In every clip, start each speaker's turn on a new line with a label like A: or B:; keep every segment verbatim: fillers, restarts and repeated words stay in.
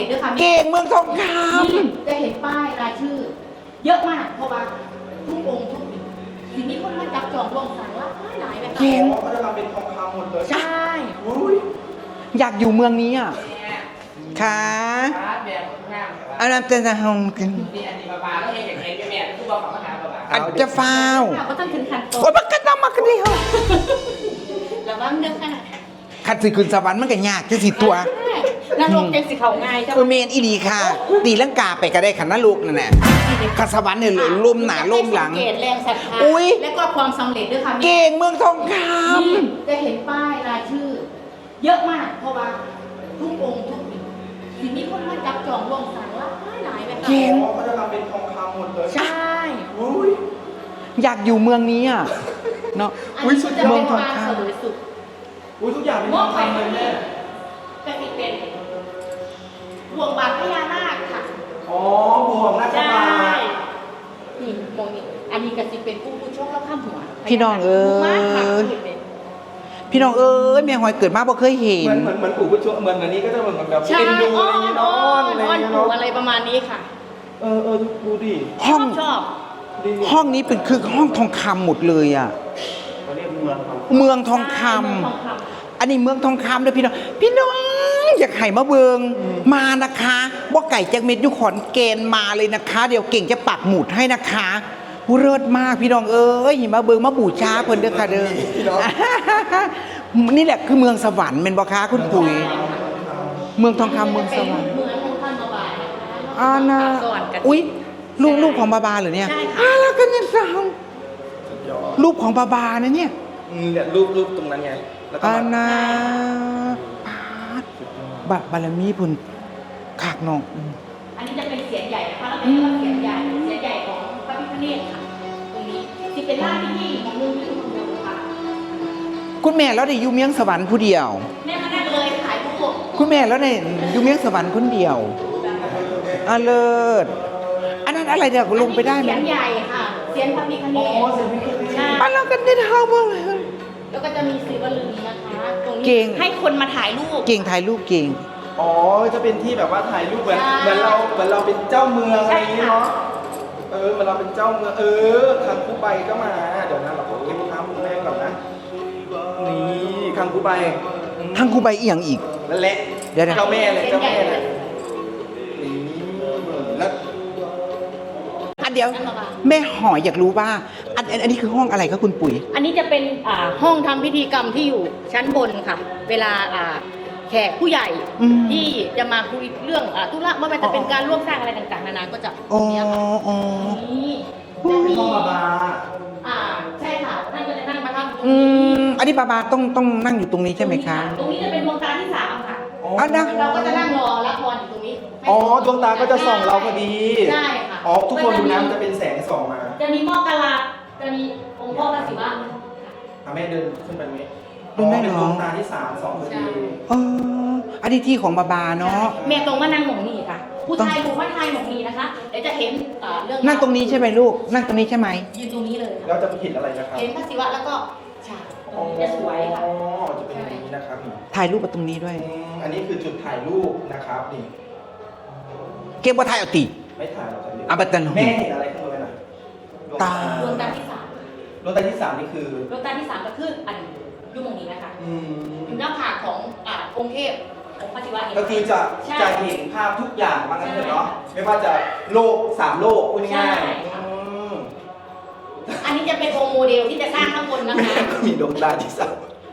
A: เร็จด้วยค่ะ
B: เก่งเมืองทองค
A: ำจะเห็นป้ายรายชื่อ เยอะมากเพราะว่าทุกองค์ทุกทีนี้คนมาจับจองรวมสั่งละหลายแบบ
B: เก่ง
C: เขาจะทำเป็นทองคำหมดเลย
A: ใช่
B: อยากอยู่เมืองนี้อ่ะค่ะ
D: ครับแบบงาม
B: อันนั้นจะทำกัน
D: นี่อันนี้ปลาก็เห็นอย่างเห็นแม่ผู้บอกของมหาปลา
B: อันจะฟ้าว
A: ค่ะก็ต้องถึงขั้นตอ
B: โอ้ย
A: น
B: มันก็ต้องมากันดิเหรอ
A: ระวังเด้อค่ะ
B: ขัดสิขึ้นสวรรค์มันก็ยากจะสิตัว
A: นรกเป็นสิเขาง่ายเจ้า
B: เออเมนอีดีค่ะ ตีลังกาไปก็ได้ขันนลูกนั่นแหละขัดสวรรค์เนี่ยล่มหนาล่มหลัง
A: เกตแรงศรัทธา
B: อุ๊ย
A: และก็ความสำเร็จด้วยค่ะ
B: เก่งเมืองทองค
A: จะเห็นป้ายรายชื่อ เยอะมากเพราะว่าทุกองค์ทุกทีนี้คนมาจับจองรวมสั่งละหลายแบบ
B: ำเก่ง
C: เขาจะทำเป็นทองคำหมดเลย
A: ใช่
C: อุ้ย
B: อยากอยู่เมืองนี้อ่ะเนาะ
A: อันนี้จะเป็นการเสวยสุข
C: อุ้ยทุกอย่างเป็นทองคำเลยแม่
A: ก็จะเป็นห่วงบาทพญานาคค่ะ
C: อ๋อบ่วงนาค
A: ใช่
C: ราช
A: นี่มองนี่อันนี้ก็จะเป็นผู้ผู้โชคแล้วข้ามหัว
B: พี่น้องเอ้
A: มากค่ะ
B: ยพี่น้องเอ้ยแม่หอยเกิดมาบ่เคยเห็
C: เห
B: น
C: มือนเหมือนเหมือนปู่ผู้ช่วยเหมือนอันนี้ก็จะเหมือนแบบ
A: ใช่
C: เอ็นดู
A: อ้อ
C: อะไรอย่างเงี้
A: น
C: ย
A: อ้
C: เนาะ
A: อน
C: อะไรอ
A: อ้อย่าง น
C: เงี้ย
A: ปู่
C: เนาะ
A: อะไรประมาณนี้ค่ะ
C: เออเออดูดิ
B: ห้อง
A: ชอบ
C: ดี
B: ห้องนี้เป็นคือห้องทองคำหมดเลยอ่ะ
C: เขาเรียกเมืองเขา
B: เมืองทองคำ
A: เมืองทองคำ
B: อันนี้เมืองทองคำด้วยพี่น้อง พี่น้องอยากไห่มาเบิงมานะคะว่าไก่แจ็คเม็ดยุขอนเกณฑ์มาเลยนะคะ เดี๋ยวเก่งจะปักหมุดให้นะคะเลิศมากพี่น้องเอ้ยมาเบิงมาบูชาเพิ่นเด้อค่ะเด้อ นี่แหละคือเมืองสวรรค์เป็นบ่คะคุณปุ๋ย เมืองทองคำเมืองสวรรค์
A: เมืองทองคำบาบานะคะ
B: อานะ
A: สวรรค์กัน
B: อุ๊ยลูกลูกของบาบาเหรอเนี่ย
A: ใช่ค่ะ
B: อาแล้วกันเนี่ยสาวรูปของบาบานะเนี่ย
C: อืมเนี่ยรูปรูปตรงนั้นไงแล้วก็
B: อา
C: มา
B: นาปาดบะบารมีพุ่นขากน้องอืม
A: อันนี้จะเป็นเสียงใหญ่นะคะแล้วเป็นเสียงใหญ่เสียงใหญ่ของพระพิฆเนศค่ะ ตรงนี้ที่เป็นล่างที่ที่ของมือที่ของมือค่ะ
B: คุณแม่แล้วได้อยู่เมียงสวรรค์ผู้เดียว
A: แม่มานั่งเลยขายผู้
B: คุณแม่แล้วได้อยู่เมียงสวรรค์คนเดียวอาเลิศอันนั้นอะไรเดี๋ยวลงไปได้ไหม
A: เสียงใหญ่ค่ะ เสียงพระพิฆเนศใช่
B: อันนั้นกันได้ทำอะไร
A: แล้วก็จะมีศิวลึงนะคะ ตรง
B: เก่
A: นี้
B: ง
A: ให้คนมาถ่ายรูป
B: เก่งถ่ายรูปเก่ง
C: อ๋อจะเป็นที่แบบว่าถ่ายรูปเหมือน
A: ใช่
C: เหมือนเราเหมือนเราเป็นเจ้าเมืองอะไรอย่างงี้
A: ใช่ค่ะ
C: เนาะเออเหมือนเราเป็นเจ้าเมืองเออคังคูใบก็มาเดี๋ยวนะเราขอเก็บภาพคุณแม่ก่อนนะนี่คังคูใบ
B: ทั้งครูใบเอียงอีก
C: นั่นแหละ
B: เดี๋ยวนะ
C: เจ้าแม่เลยเจ้าแม่เลยนี่แล้ว
B: อันเดียวแม่หอยอยากรู้ว่าอันอันอันนี้คือห้องอะไรคะคุณปุ๋ย
A: อันนี้จะเป็นอ่าห้องทำพิธีกรรมที่อยู่ชั้นบนค่ะ เวลาอ่าแขกผู้ใหญ่
B: อืม
A: ที่จะมาคุยเรื่องอ่าธุระว่ามันจะเป็นการร่วมสร้างอะไรต่างๆนานาก็จะต
B: อ๋
A: ร
B: อง
A: เนี้ยค่ะ
B: อ๋อ
A: นี่
C: เป็นห้องบาบา
A: อ่าใช่ค่ะท่านก็จะนั่งประทับตรง
B: อื
A: นี้
B: มอันนี้บาบาต้องต้องนั่งอยู่ตรงนี้ใช่ไหมคะ
A: ตรงนี้จะเป็นดวงตาที่สามค่ะ
B: อ่ะนะ
A: เราก็จะนั่งรอรับพรอยู่ตรงนี้
C: อ๋อดวงตาก็จะส่องเราพอดี
A: ใช่ค่ะ
C: อ๋อทุกคนดูน้ำจะเป็นแสงส่องมา
A: จะมีหม้อกะลาจะมีองค์พ่อพระศิวะ
C: อ่ะแม่เดินขึ้นไปไหม
B: เดินได้เหรอ
C: เป็นดวงตาที่สามสองพอดี
B: เอออันนี้ที่ของบาบาเนาะ
A: แม่ตรงมานั่งหมองนี่ค่ะ ผู้ชายดูว่าชายหมองนี่นะคะเดี๋ยวจะเห็นเอ่อเรื่อง
B: นั่งตรงนี้ใช่ไหมลูก นั่งตรงนี้ใช่ไหม
A: ยืนตรงนี้เลย
C: แล้
A: ค่ะ
C: วจะเห็นอะไรนะครับ
A: เห็นพระศิวะแล้วก็ฉากตรงนี้จะสวยค่ะ
C: อ๋อจะเป็นอย่างนี้นะครับนี่
B: ถ่ายรูปกับตรงนี้ด้วย
C: อืมอันนี้คือจุดถ่ายรูปนะครับนี่
B: เก็บว่าถ่ายเอาตี
C: ไม่ถ่ายเราจะเรียก
B: อ่ะบัดนั้น
C: แม่เห็นอะไรข้างบนน่ะ
B: ตา
A: ดวงตาที่สาม
C: ดวงตาที่สามนี่คือ
A: ดวงตาที่สามก็คืออันยุ่งตรงนี้นะคะ
C: อืม
A: อยู่หน้าผากของอ่าองค์เทพองค์พระศิวะเห็นไหม
C: ก็คือจะ
A: ใช่
C: จะเห็นภาพทุกอย่างว่างั้นเถอะเนาะไม่ว่าจะโลกสามโลกพูดง่าย
A: ใช่
C: ๆอืม
A: อันนี้จะเป็นองค์โมเดลที่จะสร้างข้างบนนะคะ
C: แม่ก็มีดวงตาที่สาม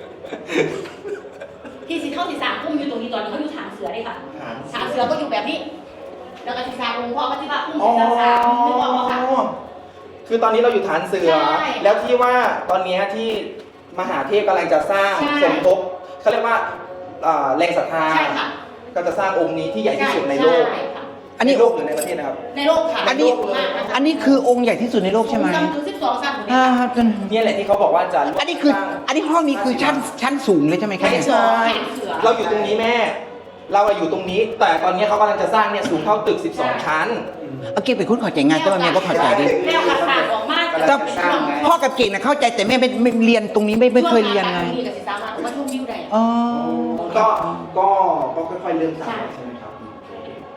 A: ที่สีเท่าสีสามพุ่มอยู่ตรงนี้ตอนนี้เขาอยู่ฐานเสือเลยค่ะ
C: หาง
A: ฐานเสือก็อยู่แบบนี้ แล้วก็สีสามองค์พ่อพระศิวะพุ่ม
C: อ๋อ
A: สีสามนึกออกไหมคะ
C: คือตอนนี้เราอยู่ฐานเสือ
A: ใช่
C: แล้วที่ว่าตอนเนี้ยที่มหาเทพกำลังจะสร้าง
A: ใช่
C: สมทบเขาเรียกว่าอ่าแรงศรัทธา
A: ใช่ค่ะ
C: ก็จะสร้างองค์นี้ที่ใหญ่ที่สุดในโลก
A: ช่ค่ะ
B: อันนี้
C: ในโลกหรือในประเทศนะครับ
A: ในโลกค่ะ
B: อันนี้
A: ใโลกมากนะคะ
B: อันนี้คือองค์ใหญ่ที่สุดในโลกใช่ไหม
A: สูงถึงสิบสองชั้น
B: อ่าครับ
C: เนี่ยแหละที่เขาบอกว่าจะ
B: อันนี้คือ
C: สร้าง
B: อันนี้ห้องนี้คือชั้นชั้นสูงเลยใช่ไหมคะ
C: ไม่
B: เนี่ย
C: ใช่
A: แขนเสือ
C: เราอยู่ตรงนี้แม่ เราอะอยู่ตรงนี้ แต่ตอนนี้เขากำลังจะสร้างเนี่ยสูงเท่าตึก สิบสอง ชั้น
B: เอาเก่งเป็นคนเข้าใจงานแต่ว่าแม่ก็เข้าใจดิ
A: แนวกระสานออกมา
C: แต่
B: แต่พ่อกับเก่งนะเข้าใจแต่แม่ไม่ไม่เรียนตรงนี้ไม่ไม่เคยเรียนไง
A: ช่วงอากาศดีกับสีสามารถมาชมวิวได้
B: อ๋อ
C: ก็ก็ก็ค่อยๆเริ่มสร้างใช่ไหมครับ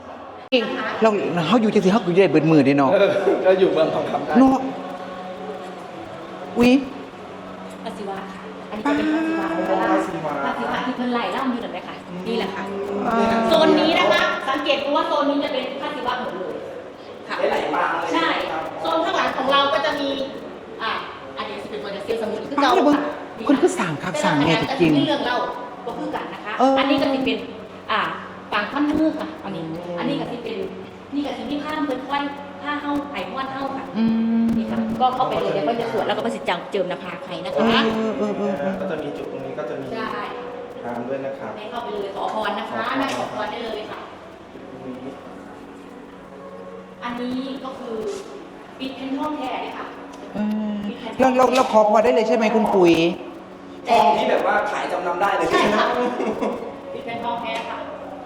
B: เก่งเราเขาอยู่จังสิเขาอยู่ได้เบิดมือได้เนาะ
C: เออก็อยู่เมืองทองคำได้
B: เนาะอุ้ย
A: พระศิวะค่ะอันนี้จะเป็นพระศิวะพระศิวะที่เพิ่นไล่ล่ำอยู่นั่นแหละค่ะนี่แหละค่ะโซนนี้นะคะสังเกตดูว่าโซนนี้จะเป็นพระศิวะหมดเลยค่ะ
C: ได้หลายปางเลย
A: ใช่โซนข้างหลังของเราก็จะมีอ่าอันนี้จะเป็นตัวเซียลสมุนคือเก่าค่ะ
B: คนคือสั่งคักสั่งไงจริง
A: เรื่องเล่าก็คือกันนะคะ
B: เอออั
A: อันนี้ก็จะเป็นอ่าปางพันมือค่ะอันนี้อันนี้ก็จะเป็นนี่ก็จะมีผ้าเพิ่นไว้ผ้าเฮาไผ่ม้วนเฮาค่ะ
B: อืม
A: นี่ค่ะก็เข้าไปเลยเดี๋ยวก็จะสวดแล้วก็ไปสิจังเจิมหน้าผากให้นะ
B: เอ
A: คะ
B: อเออเออเออ
C: ก็จะมีจุดตรงนี้ก็จะมี
A: ใช่
C: ทางด้วยนะครับ
A: ให้เข้าไปเลยขอพรนะคะนั่งขอพรได้เลยค่ะ
C: ตรงนี้
A: อันนี้ก็คือปิดเพนท่องแท้เลยค่ะ
B: เออเราเราเราขอพอได้เลยใช่ไหมคุณปุ๋ย
C: ทองที่แบบว่าขายจำนำได้เลย
A: ใช่
C: ไหม
A: ค่ะปิดเพนท่องแท้ค่ะ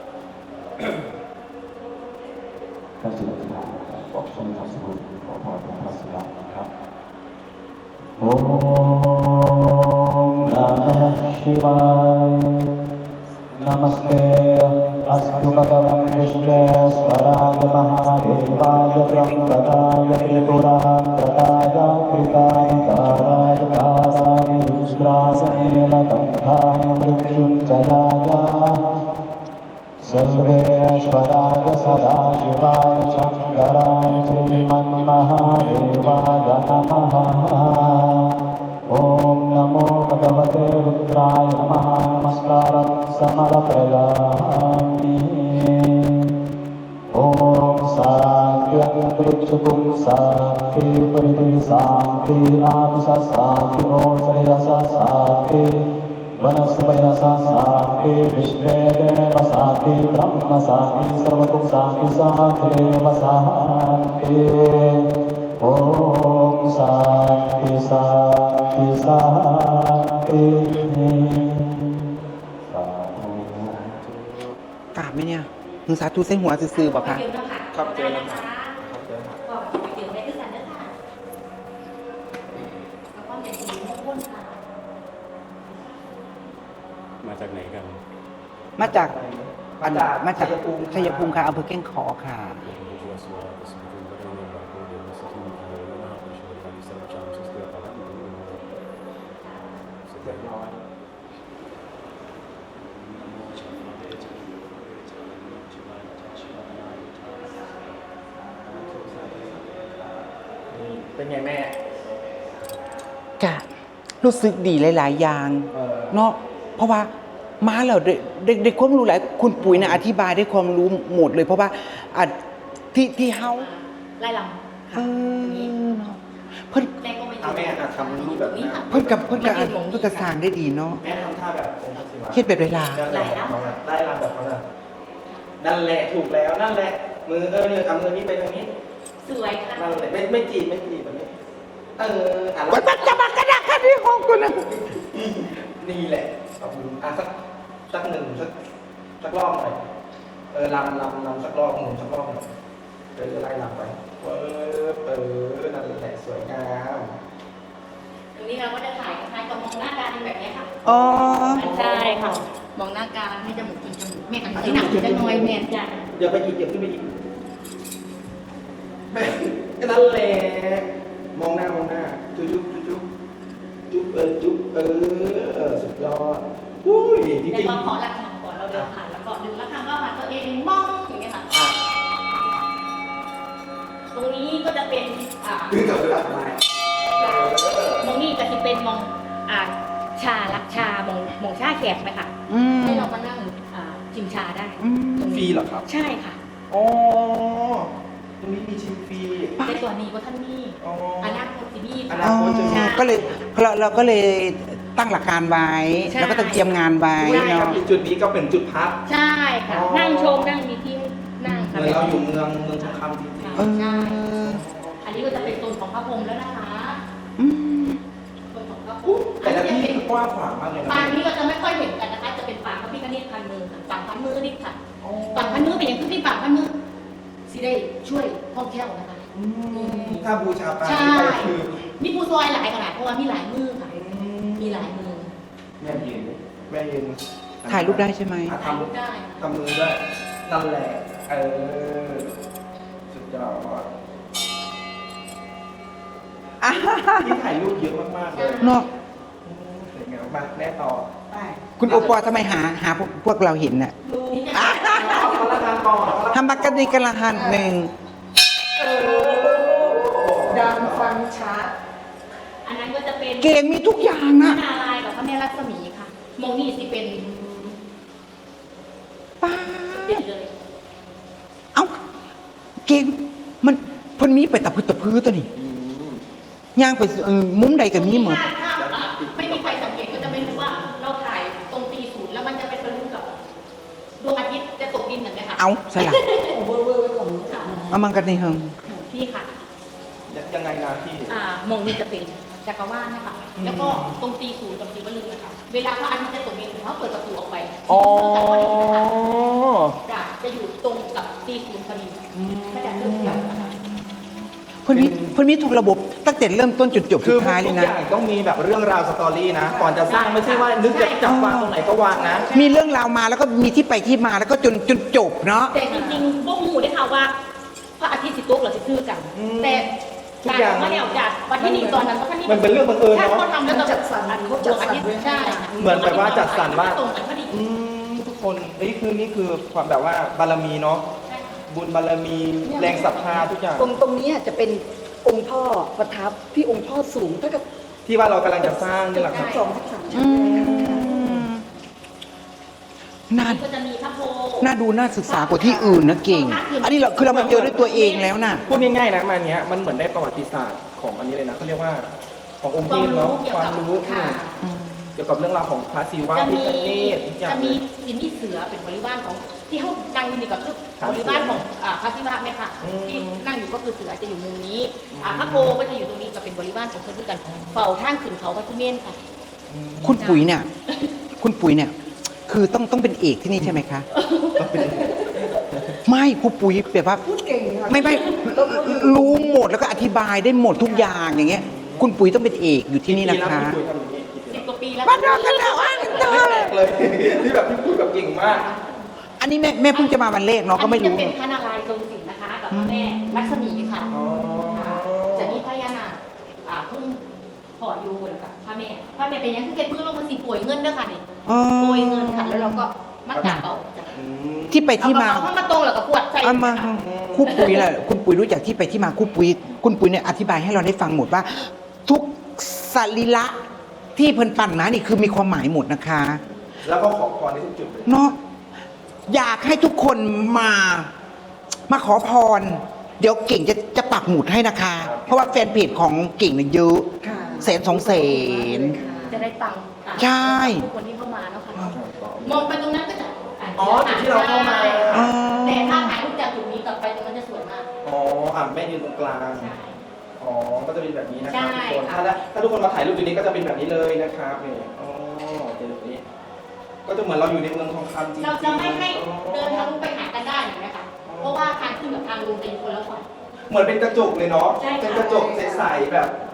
E: พระศิวะบอกช่วงทัศน์ขอพรพระศิวะนะครับโอ้นามชิวายนามัสเตอัสตุภะคะวันวิชเนสวรายมหาเทวายพระมกตายเตตุราตตายาคริตายการายการายรุสราสเนลตัมภายมฤชุนจลายาसर्वेश्वराय सदाशिवाय शङ्कराय श्रीमन्महादेवाय नमः ॐ नमो भगवते रुद्राय नमः नमस्कारं समर्पयामि ॐ साङ्ख्यं पृच्छुकुं साङ्ख्ये परिधि साङ्ख्ये आंस साङ्ख्ये ॐ श्रेयस साङ्ख्ये वनस्पयसा साङ्ख्ये विश्वेदेव साङ्ख्ये ब्रह्म साङ्ख्ये सर्वतो साङ्ख्ये साङ्ख्येव साङ्ख्ये ॐ साङ्ख्ये साङ्ख्ये साङ्ख्ये साधु
B: กราบไหมเนี่ยมึงสาธุใส่หัวซื่อๆบอกค่ะ
C: ครับเจอแล้วครับครับเจอครับ
A: ก็ไปเจอได้ด้วยกันนะคะแล้วก็เป็นสีม่วงค่ะ
F: มาจากไหนกัน
B: มาจากอันมาจาก
C: ชัยภูมิ
B: ชัยภูมิค่ะอำเภอแก้งขอค่ะ
C: เรียบร้อยนี่เป็นไงแม่
B: กะรู้สึกดีหลายๆอย่าง
C: เออ
B: เนาะเพราะว่ามาแล้วได้ได้ได้ความรู้หลายคุณปุ๋ยนะอธิบายได้ความรู้หมดเลย เพราะว่าอ่ะที่ที่เฮา
A: ไล่ลำ
B: เอ
A: ค่ะ
B: อเนาะเพิ่น
A: แม่ก็ไม่
C: เอาแม่อ่ะทำรูปแบบนี้
A: ค่ะ
B: เพิ่นกับเพิ่นกับอันเพิ่นกับสร้างได้ดีเนาะ
C: แม่ทำท่าแบบองค์พระศิวะ
B: เฮ็ดแบบเวลา
C: นั่นแหละได้ลำแบบเขาน่ะนั่นแหละถูกแล้วนั่นแหละ มือเออเนี่ยเอามือนี้ไปทางนี้
A: สวยค่ะ
C: นั่นแหละไม่ไม่จีบไม่จีบแบบนี้ เอออ่ะ
B: วัดวัดจะมากระดักกันที่ห้องกูนะ
C: นี่แหละเอามืออ่ะสักสักหนึ่งสักสักรอบหน่อยเออลำลำลำสักรอบหนึ่งสักรอบหน่อยเดี๋ยวจะไล่ลำไปเออเออนั่นแหละสวยงาม
A: ตรงนี้เราก็จะถ่ายคล้ายๆกับมองหน้ากันแบบนี้ค่ะ
B: อ๋อ
A: ใช่ค่ะ มองหน้ากันให้จมูกกินจมูกแม่อันนี้หนักจะน้อยแม่จ้ะ
C: เดี๋ยวไปอีกเดี๋ยวขึ้นไปอีกแม่นั่นแหละมองหน้ามองหน้าจุ๊บจุ๊บจุ๊บจุ๊บเออจุ๊บเออเออสุดยอดอุ้ยจริ
A: แต่
C: ง
A: ก็
C: ๆ
A: ขอรักษาก่อนเราเดินผ่านแล้วก็ดึงแล้วทำก็มาตัวเองมองอย่างเงี้ยค่ะ
C: อ่ะ
A: ตรงนี้ก็จะเป็นอ่า
C: คือกับเวลาทำไม
A: มองนี่ก็จะเป็นมองอ่าชาลักชามองมองชาแขกไหมคะ
B: อืม
A: ให้เรามานั่งอ่าชิมชาได้
B: อืม
A: ตงนี้
C: ฟรีเหรอครับ
A: ใช่ค่ะ
C: อ๋อตรงนี้มีชิมฟรี
A: ในตัวนี้ว่าท่านมี
C: อ๋อ
A: อนาคตสิมี
C: อ
A: ค่ะ
C: นา
B: อ๋อ
C: คตจะมี
B: ก็เลยเราเราก็เลยตั้งหลักการไว้
A: ใช่
B: แล้วก็ต้องเตรียมงานไว้
C: ใช่ครับ
B: เนาะ
C: อีกจุดนี้ก็เป็นจุดพัก
A: ใช่ค่ะ
C: อ๋อ
A: นั่งชมนั่งมีที่นั่ง
C: เห
A: ค่ะ
C: มือนเราอยู่เมืองเมืองทองคำจริง
B: เออ
A: ใช่ อันนี้ก็จะเป็นโซนของพระพรหมแล้วนะคะ
B: อืม
A: โซนของพระพรหม
C: ๆแต่ละที่กว้างขวางมากเลยนะ
A: ปางนี้ก็จะไม่ค่อยเห็นกันนะคะ จะเป็นปางพระพิฆเนศพันมือค่ะปางพันมือนี่ค่ะ
C: อ๋อ
A: ปางพันมือเป็นอย่างที่ปางพันมือสิได้ช่วยท่องเที่ยวนะคะ
C: อืมถ้าบูชาปาง
A: ใช่
C: นี้ไปคือ
A: มีผู้ซอยหลายขนาดเพราะว่ามีหลายมือค่ะ
C: อื
A: มีหลายมือ
C: แม่ยืนแม่ยืน
B: ถ่ายรูปได้ใช่ไหม
C: อ่ะ
A: ถ่าย
C: ทำ
A: รูปได้
C: ทำมือด้วยนั่นแหละ เออ
B: อ่ะ
C: ที่ถ่ายรูปเยอะมากๆเลย
B: เนาะ
C: สวยงามมาแน่ต่อ
B: คุณโอปอล์ทำไมหาหาพวกพวกเราเห็นน่ะ
A: นี่จะ
B: อ่ะ
C: เอาคนละทางก่อนเอาคนละ
B: ทำบักกันดีกันละหันหนึ่ง
G: ดังฟังชัด
A: อันนั้นก็จะเป็น
B: เก่งมีทุกอย่าง
A: พระ
B: นะ
A: นารายณ์กับพระแม่รัศมีค่ะมองนี่สิเป็น
B: ป้า
A: เด็ดเลย
B: เอ้าเก่งมันเพิ่นมีไปตะพื้ตะพื้ตัวนี่ย่างไปเออมุมใดก็มีหมด
A: ถ้าถ้าอ่ะไม่มีใครสังเกตก็จะไม่รู้ว่าเราถ่ายตรงตีศูนย์แล้วมันจะไปทะลุกับดวงอาทิตย์จะตกดินเห็นไหมคะ
B: เอาใช่ละ
G: เวอร์เวอร์ไว้ของ
A: ค่ะ
B: เอามันกันในเฮิง
A: พี่ค่ะ
C: ยังไงนะพี่
A: อ่ามองนี่จะเป็นจักรวาลนะคะ แล้วก็ตรงตีศูนย์กับตีวลึงนะคะ เวลาพระอาทิตย์จะตกดินเขาเปิดประตูออกไป
C: อ๋อ
A: จะจะอยู่ตรงกับตีศูนย์พอดีก็จะเริ่มเกี่ยวนะคะ
B: เพิ่นมีเพิ่นมีทุกระบบตั้งแต่เริ่มต้นจนจบ
C: คื
B: สุ
C: อ
B: ดท้ายเล
C: ทุ
B: ย
C: ก
B: นะ
C: อย่างต้องมีแบบเรื่องราวสตอรี่นะ ก่อนจะสร้างไม่ใช่ว่านึกจะจับวางตรงไหนก็วางนะ
B: มีเรื่องราวมาแล้วก็มีที่ไปที่มาแล้วก็จนจนจบเนาะ
A: แต่จริงๆพวกหมูได้ข่าวว่า พระอาทิตย์สิตกหรือสิซื่อกัน
C: อืม
A: แต่
C: ทุก
A: การ
C: อย่าง
A: ไม่ได้ออกจากวันที่หนึ่งตอนนั้นเพราะท่านนี่
C: มันเป็นเรื่องบังเอิญเนอะ
A: ใช่เขาทำแล้ว
G: จัดสรรเขาจัดสรรไว้ให้
A: ใช่
C: เหมือนแบบว่าจัดสรรว่า
A: ตรงกันพอดี
C: อืมทุกคนนี่คือนี่คือความแบบว่าบารมีเนาะ
A: ใช่ค่ะ
C: บุญบารมีแรงศรัทธาทุกอย่าง
G: ตรงตรงนี้จะเป็นองค์พ่อประทับที่องค์พ่อสูงเท่ากับ
C: ที่ว่าเรากำลังจะสร้างนี่แหละครับ
G: สิบสองสิบสามชั้
B: อื
G: น
B: มน่า
A: ก็จะมีพระโพธิ์
B: น่าดูน่าศึกษากว่าที่อื่นนะเก่ง อันนี้เราคือเรามาเจอด้วยตัวเองแล้วน่ะ
C: พูดง่ายๆนะมาเนี้ยมันเหมือนได้ประวัติศาสตร์ของอันนี้เลยนะเขาเรียกว่าขององค์
A: ควา
C: เท
A: ม
C: พ
A: รู้
C: เนาะ
A: เกี่ยว
C: ความ
A: กับ
C: รู้
A: ค่ะ
C: เกี่ยวกับเรื่องราวของพระศิวะ
A: จะ
C: พิ
A: มี
C: ฆเนศทุกอย่าง
A: จะ
C: เล
A: มี
C: ย
A: สินที่เสือเป็นบริวารของที่เขานั่งอยู่นี่ก็คือ
C: ครับ
A: บริวารของอ่าพระศิวะเนี่ยค่ะ
C: อืม
A: ที่นั่งอยู่ก็คือเสือจะอยู่มุมนี้อ่าพระโพก็จะอยู่ตรงนี้ก็เป็นบริวารของเพื่อนกันเฝ้าทางขึ้นเขาพระทุเมนค่ะ
B: คุณปุ๋ยเนี่ย คุณปุ๋ยเนี่ย คือต้องต้องเป็นเอกที่นี่ใช่ไหมคะ ไม่ครูปุ๋ยแบบว่า
G: พูดเก่งค่ะ
B: ไม่ไม่รู้หมดแล้วก็อธิบายได้หมดทุกอย่างอย่างเงี้ย คุณปุ๋ยต้องเป็นเอกอยู่ที่นี่นะคะ
C: พี่ปุ้ยทำอย่างนี้
A: สิบกว่าปีแล้ว
B: บ้านเรากันแล้วอันเตอ
C: แรกเลยที่แบบพี่ปุ้ยแบบเก่งมาก
B: อันนี้แม่แม่เพิ่งจะมาวันแรกเนาะก็ไม่
A: อันนี้
B: รู้
A: จะเป็นพระนารายณ์ทรงศิลป์นะคะกับพระแม่ลักษมีค่ะ
C: อ๋อ
A: ค่ะจะมีพญานาคอ่าเพิ่งขออยู่กับพระแม่พระแม่เป็นยังคือเก็บเพื่อลงมาสิป่วยเงินด้วยค่ะนี่
B: อ๋อ
A: ป่วยเงินค่ะแล้วเราก็มัดจับเอาจ้ะ
C: อืม
B: ที่ไปที่มา
A: เอาเข้ามาตรงแล้วก็ปวดใส่
B: เอามาครูปุ๋ยแหละคุณปุ๋ยรู้จักที่ไปที่มาครูปุ๋ยคุณปุ๋ยเนี่ยอธิบายให้เราได้ฟังหมดว่า ทุกสรีระที่เพิ่นปั่นมานี่คือมีความหมายหมดนะคะ
C: แล้วก็ขอพรในทุกจุดเลย
B: เนาะอยากให้ทุกคนมา มาขอพร เดี๋ยวเก่งจะจะปักหมุดให้นะคะ เพราะว่าแฟนเพจของเก่งเนี่ยเยอะ
G: ค่ะ
B: แสนสองแสน
A: จะได้ตังค์อ่ะ
B: ใช่
A: ทุกคนที่เข้ามาเนาะค่ะมองไปตรงนั้นก็จะ
C: อ๋อจุดที่เราเข้ามา
B: อ๋อ
A: แต่ถ้าถ่ายรูปจากจุดนี้กลับไปตรงนั้นจะสวยมาก
C: อ๋ออ่ะแม่ยืนตรงกลาง
A: ใช่
C: อ๋อ ก็จะเป็นแบบนี้นะค
A: ใช่
C: รับทุกคน
A: ค่ะ
C: ถ้าได้ถ้าทุกคนมาถ่ายรูปตรงนี้ก็จะเป็นแบบนี้เลยนะครับนี่อ๋อเจอแบบนี้ ก็จะเหมือนเราอยู่ในเมืองทองคำจริงๆ
A: เราจะไม่ให้เดินทะ
C: อ๋อ
A: ลุไปหากันได้เห็นไหมคะเพราะว่าทางขึ้นกับทางลงเป็นคนละฝั่ง
C: เหมือนเป็นกระจกเลยเนาะ
A: ใช่ค่ะ
C: เป็นกระจกใสๆแบบ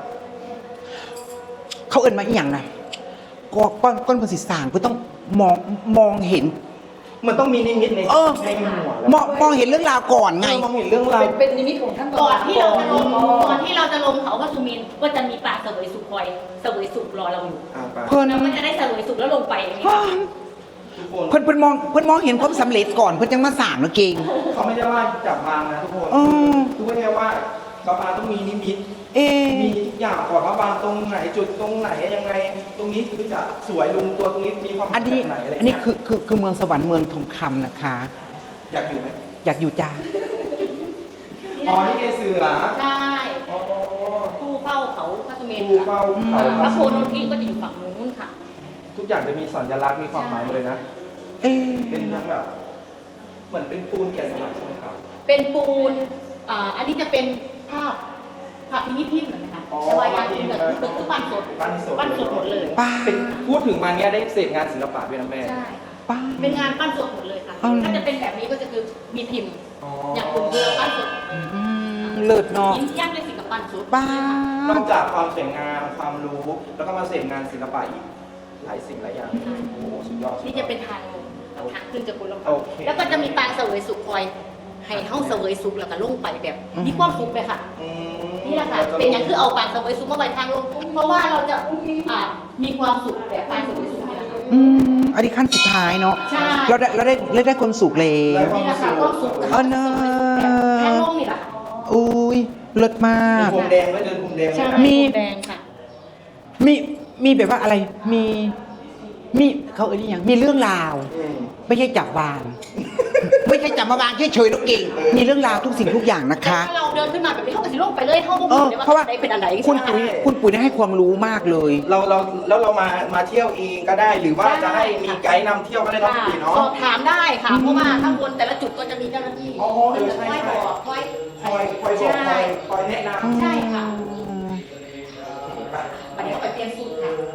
B: เขาเอินมาอีหยังนะก็ก้อนก้อนภาษีสร้างเพื่อต้องมองมองเห็น
C: มันต้องมีนิมิตใน
B: เออ
C: ในหัวแล้ว
B: มองมองเห็นเรื่องราวก่อนไง
C: เออมองเห็นเรื่องราว
G: เป็นเป็นนิมิตของท่าน
A: ก่อนที่เราจะลง
G: อ๋อ
A: ก่อนที่เราจะลงเขาพระสุเมนก็จะมีป่าเสวยสุขคอยเสวยสุขรอเราอยู่
C: อ่าไป
B: เพิ่น
A: เราก็จะได้เสวยสุขแล้วลงไปอย่างนี้
C: ทุกคน
B: เพิ่นเพิ่นมองเพิ่นมองเห็นความสำเร็จก่อนเพิ่นจังมาสร้างเนาะเก่ง
C: เขาไม่ได้ว่าจับวางนะทุกคน
B: อ๋อ
C: ทุกคนแค่ว่าบาบาต้องมีนิมิต
B: เอะ
C: มีทุกอย่างก่อนว่าบางตรงไหนจุดตรงไหนยังไง ตรงนี้คือจะสวยลงตัวตรงนี้มีความหมาย
B: อันนี้
C: แบบไหนอะไร
B: อันนี้คือคือคือเมืองสวรรค์เมืองทองคำนะคะ
C: อยากอยู่ไหม
B: อยากอยู่จ้า
C: อ๋อนี่ไงเสือ
A: ใช่
C: อ๋อ
A: ผู้เฝ้าเขาพระสุเมน
C: ภูเฝ้าเขา
A: พระโพนนทิก็จะอยู่ฝั่งนู้นค่ะ
C: ทุกอย่างจะมีสัญลักษณ์มีความหมายหมดเลยนะ
B: เอ๊ะ
C: เป็นทั้งแบบ เหมือนเป็นปูนแกะสลักใช่ไหมครับ
A: เป็นปูนอ่าอันนี้จะเป็นภาพภาพพินิจพิมพ์เหมือนกันค่ะ
C: อ๋อ
A: แต่ว่ายางพิมพ์แบบคือคือปั้นสด
C: ปั้นสด
A: ปั้นสดหมดเลย
B: ป้า
C: เป็นพูดถึงมาเนี้ยได้เสพงานศิลปะด้วยนะแม่
A: ใช่ค่ะ
B: ป้า
A: เป็นงานปั้นสดหมดเลยค่ะ
B: อ๋อ
A: ถ้าจะเป็นแบบนี้ก็จะคือมีพิมพ์
C: อ๋อ
A: อ
C: อย่าง
A: คุณเรือปั้นสด
B: อืมเลิศเนาะ
A: ยิ้มย่างด้วยสิกับปั้นสด
B: ป้า
C: นอกจากความสวยงามความรู้ แล้วก็มาเสพงานศิลปะอีกหลายสิ่งหลายอย่าง โอ้โหสุดยอดสุดยอด
A: นี่จะเป็นทางลงทางขึ้นจะคุณลง
C: โอเค
A: แล้วก็จะมีปางเสวยสุขคอยให้เฮาเสวยสุขแล้วก็ลงไปแบบมีความสุขเลยค่ะ
C: อืม
A: นี่แหละค่ะเป็นอย่างคือเอาปางเสวยสุขมาไว้ทางลงเพราะว่าเราจะอ่ามีความสุขแบบปางเสวยสุขนี่แหละค่ะ
B: อืมอันนี้ขั้นสุดท้ายเนาะ
A: ใช่
B: เราได้เราได้เราได้ความสุขแล้ว
A: นี่แหละค่ะความสุข
B: เออเนอะ
A: ทางลงนี่แหละค่ะ
B: อุ้ยเลิศมาก
C: มีพรมแดงไหมเดินพรมแดงไห
A: ใช่
C: ม
B: มี
A: แดงค่ะ
B: มีมีแบบว่าอะไร มีมีเขาเอ่ยอย่างมีเรื่องราว
C: อืม
B: ไม่ใช่จับวาง ไม่ใช่จับมาวางเฉยๆแล้วเก่ง มีเรื่องราวทุกสิ่งทุกอย่างนะคะ
A: ถ้าเราเดินขึ้นมาแบบนี้เขาก็สิลงไปเลยเขาก็
B: เอ
A: บอก
B: อ
A: เลยว่า
B: เพราะว่า
A: ไหนเป็นอันไหน
B: คุณปุ๋ยคุณปุ๋ยได้ให้ความรู้มากเลย
C: เราเราแล้วเรามามาเที่ยวเองก็ได้หรือว่าจะให้มีไกด์นำเที่ยวก็ได้เนาะ
A: ค่ะ
C: พี่เนาะ
A: สอบถามได้ค่ะ เพราะว่าข้างบนแต่ละจุดก็จะมีเจ้าหน้าที่
C: อ๋อเออ
A: จะ
C: ใช่
A: คอย
C: ใช่
A: บอกคอย
C: คอยคอยบอกค
A: ใช่
C: อยคอยแนะนำ
A: ใช่ค่ะ
C: ไป
A: วันนี้เราไปเตรียมสูตรค่ะ